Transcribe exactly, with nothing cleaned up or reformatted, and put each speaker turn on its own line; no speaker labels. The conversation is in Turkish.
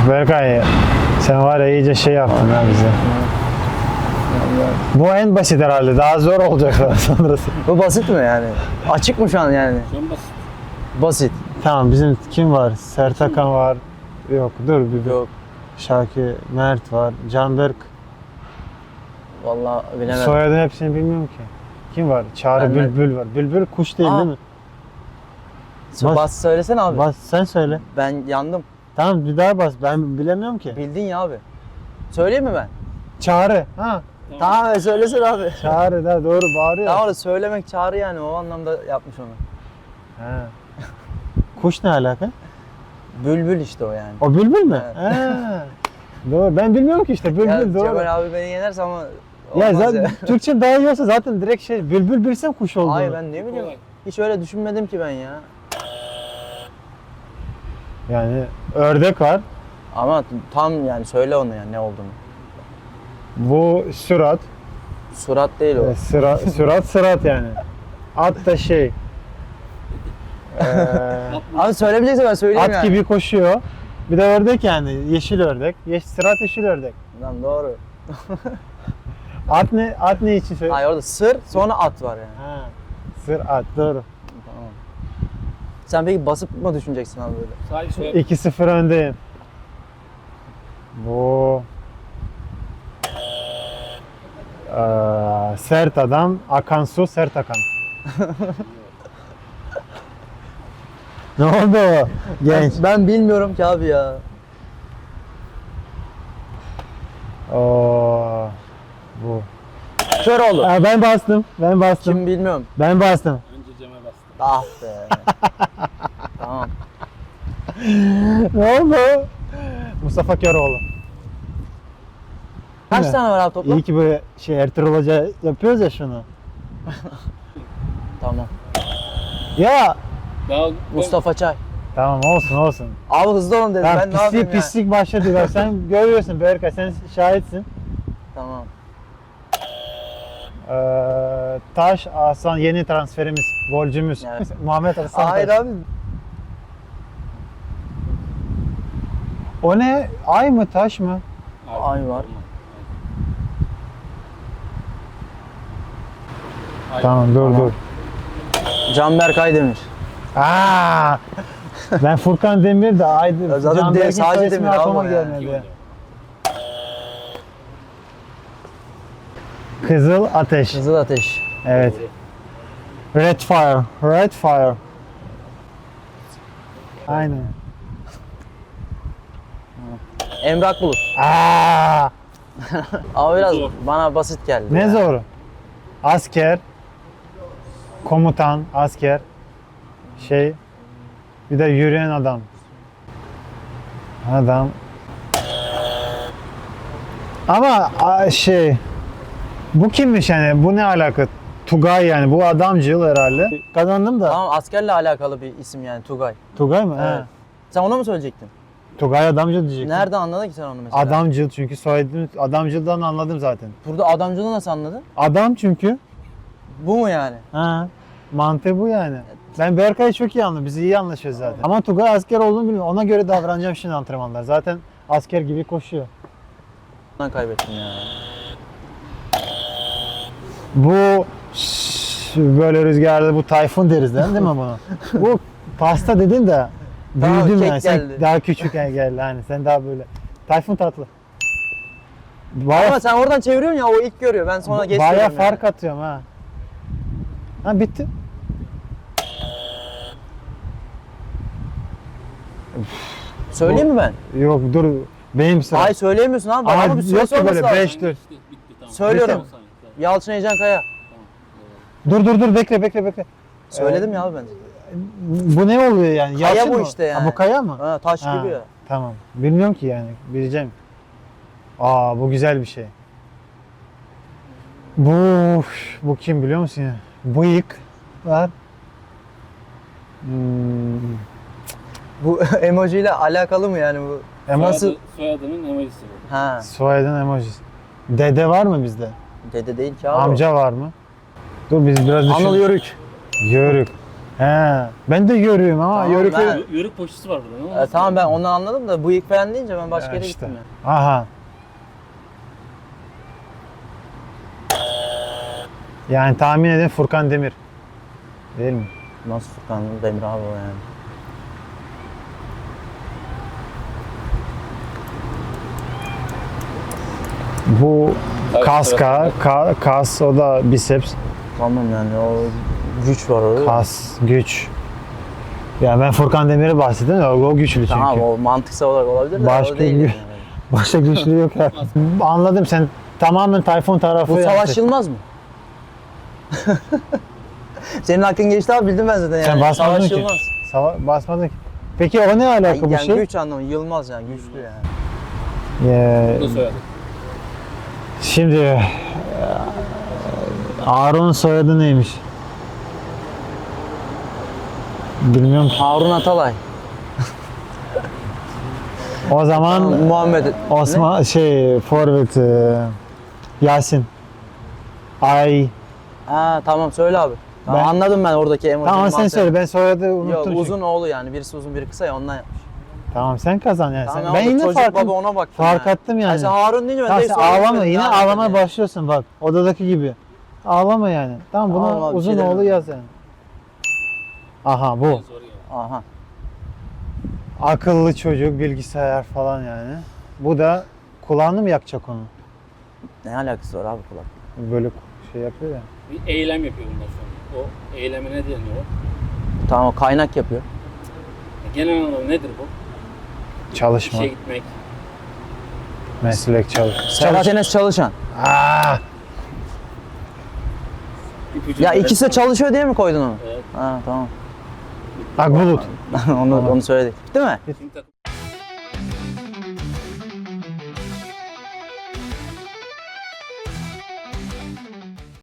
Berkay, sen var ya iyice şey yaptın ha bize. Bu en basit herhalde. Daha zor olacak daha sonrası.
Bu basit mi yani? Açık mı şu an yani?
Şu an basit.
Basit.
Tamam, bizim kim var? Sertakan var. Yok dur bir
Yok.
Şaki, Mert var. Canberk.
Vallahi bilemedim.
Soyadın hepsini bilmiyorum ki. Kim var? Çağrı
Ben de-
Bülbül var. Bülbül kuş değil
Aa.
değil mi?
Bas,
Bas.
söylesene abi.
Bas sen söyle.
Ben yandım.
Tamam bir daha bas. Ben bilemiyorum ki.
Bildin ya abi. Söyleyeyim mi ben?
Çağrı. Ha.
Tamam abi söylesene abi.
Çağrı da doğru bağırıyor.
Tamam da söylemek çağrı yani o anlamda yapmış onu.
Ha. Kuş ne alaka?
Bülbül işte o yani.
O bülbül mü?
Evet.
Ha. Doğru. Ben bilmiyorum ki işte bülbül
Ya
doğru.
Cemal abi beni yenerse ama
Ya
olmaz
zaten Türkçe daha iyi olsa zaten direkt şey bülbül bilsem kuş olduğunu.
Hayır ben ne bileyim.
Kolay.
Hiç öyle düşünmedim ki ben ya.
Yani ördek var.
Ama tam yani söyle onu yani ne olduğunu.
Bu sürat.
Surat değil o.
E, Sıra, sürat sırat yani. At da şey. Eee
Abi söylemeyecekse ben söyleyeyim
at
yani.
gibi koşuyor. Bir de ördek yani. Yeşil ördek. Yeş, sırat yeşil ördek.
Lan doğru.
At ne? At ne için söylüyor?
Hayır orada sır sonra at var yani.
Ha. Sır at doğru.
Tamam. Sen peki basıp mı düşüneceksin abi böyle?
Sadece soyad.
iki sıfır öndeyim. Bu Eee, sert adam, akan su, sert akan. Ne oldu genç?
Ben bilmiyorum ki abi ya.
Oo, bu.
Köroğlu.
Aa, ben bastım, ben bastım,
Kim bilmiyorum.
ben bastım.
Önce Cem'e bastım.
Ah be. Tamam.
Ne oldu? Mustafa Köroğlu.
Kaç
mi?
tane var abi toplam?
İyi ki böyle şey Ertuğrul Hoca yapıyoruz ya şunu.
Tamam.
Ya
Daha
Mustafa Çay.
tamam olsun olsun.
Abi hızlı olun dedi.
Ben,
Ben ne yapayım
pislik
ya?
pislik başladı. Bak sen görüyorsun Berkay, sen şahitsin.
Tamam.
Ee, Taş Aslan yeni transferimiz, golcümüz.
Evet.
Muhammed Aslan.
Hayır
Taş.
abi.
O ne? Ay mı taş mı?
Ay var.
Ay.
Tamam dur dur.
Canberk Aydemir.
Aa! Ben Furkan Demir de Aydın.
Ya zaten
Can
de-
Berk'in
sadece
soy ismi
Demir abi
aklıma
o yani.
gelmedi. Kızıl Ateş.
Kızıl Ateş.
Evet. Red Fire. Red Fire. Aynen.
Emrak Bulut.
Aa!
Ama biraz
Zor.
bana basit geldi.
Ne
ya.
zor? Asker, komutan, asker, şey, bir de yürüyen adam. Adam. Ama a, şey, bu kimmiş yani? Bu ne alaka? Tugay yani. Bu adamcıl herhalde. Kazandım da.
Tamam askerle alakalı bir isim yani Tugay.
Tugay mı?
Evet.
He.
Sen onu mu söyleyecektin?
Tugay adamcıl diyecektim.
Nerede anladın ki sen onu mesela?
Adamcıl çünkü soyadını adamcıldan anladım zaten.
Burada adamcılığı nasıl anladın?
Adam çünkü.
Bu mu yani?
Ha. Mantığı bu yani. Ben Berkay'ı çok iyi anladım. Biz iyi anlaşıyoruz zaten. Ama Tugay asker olduğunu bilmiyorum. Ona göre davranacağım şimdi antrenmanlar. Zaten asker gibi koşuyor.
Ben kaybettim ya.
Bu şş, böyle rüzgarda bu tayfun deriz değil mi bunu? Bu pasta dedin de
Tamam,
büyüdüm
kek
yani. Sen
geldi.
daha küçük geldi hani. Sen daha böyle. Tayfun tatlı. Baya,
Ama sen oradan çeviriyorsun ya o ilk görüyor. Ben sonra geç
baya
söylüyorum
fark
yani.
atıyorum ha. Ha bitti.
Söyleyeyim mi ben?
Yok dur. Benim sıra.
Ay söyleyemiyorsun abi.
Ama
Ama bir
yok
süresi
ki
olması
böyle
lazım.
beş dur.
Bitti, bitti, tamam.
Söylüyorum.
Bitti. Tamam, tamam.
Yalçın Heyecan Kaya.
Dur dur dur bekle bekle bekle.
Söyledim ya abi ben.
Bu ne oluyor yani?
Kaya
Yalçın
bu
mı?
işte yani.
Ha, bu kaya mı?
Ha, taş
Ha,
gibi ya.
Tamam. Bilmiyorum ki yani. Bileceğim. Aa bu güzel bir şey. Bu bu kim biliyor musun ya? Bıyık var. Hmm,
Bu emoji ile alakalı mı yani bu?
Ama
Soyadı, soyadının emojisi bu.
Ha.
soyadın emojisi. Dede var mı bizde?
Dede değil ki abi.
Amca var mı? Dur biz biraz düşün.
Anıl Yörük.
Yörük. He, ben de görüyorum ama
Tamam,
yörük
ben-
Yö- Yörük poşeti var burada. Ne
E, tamam ben onu anladım da bıyık falan deyince ben başka
Ya
yere
işte.
gittim ya.
Aha. Yani tahmin edin Furkan Demir. Değil mi?
Nasıl Furkan Demir abi o yani.
Bu
Evet,
kaska, ka, kas o da biceps,
Tamam yani o güç var orada.
kas, güç. Ya ben Furkan Demir'i bahsettim de o, o güçlü çünkü.
Tamam o mantıksal olarak olabilir de
Başka
o değil.
bir-
Yani.
Başka güçlü yok ya. Anladım sen tamamen Tayfun tarafı
Bu
yaptın.
Savaş Yılmaz mı? Senin hakkın geçti abi bildim ben zaten yani.
Sen basmadın
Savaş
ki.
Yılmaz.
Sava basmadın ki. Peki o ne alaka
Yani,
bu
yani
şey?
güç anlamı Yılmaz yani güçlü yani.
Ee,
Bu da soyadı.
şimdi e, Ağron'un soyadı neymiş? Bilmiyorum ki.
Harun Atalay.
O zaman
Muhammed.
Osman şey forvet e, Yasin. Ay.
Ha tamam söyle abi. Tamam,
Ben-
anladım ben oradaki emoji.
Tamam sen söyle ben soyadı unuttum.
Yok
çünkü.
uzun oğlu yani birisi uzun biri kısa ya ondan yapmış.
Tamam sen kazan yani.
Tamam
sen.
ya,
Ben
o
yine
çocuk
fark,
baba ona baktım
fark
yani.
ettim yani.
Ay sen Harun deyince ben
Tamam
direkt
sen
söyledim
ağlama
dedim,
yine
ne yapayım
ağlamaya
yani?
başlıyorsun bak odadaki gibi. Ağlama yani. Tamam buna
Tamam abi, bir
uzun
şey
oğlu
demiyorum.
yaz yani. Aha bu.
Zor yani.
Aha.
Akıllı çocuk, bilgisayar falan yani. Bu da kulağını mı yakacak onu?
Ne alakası var abi kulak?
Böyle şey yapıyor ya.
Bir eylem yapıyor bunlar şu an. O eyleme ne deniyor?
Tamam o kaynak yapıyor.
Genel anlamda nedir bu?
Çalışma,
İşe gitmek.
meslek çalış.
Serhat Enes Çalışan.
Aa,
ipucu
Ya
böyle-
ikisi de çalışıyor diye mi koydun onu?
Evet.
Ha tamam.
Akbulut.
onu onu söyledik. Değil mi?
Şimdi takım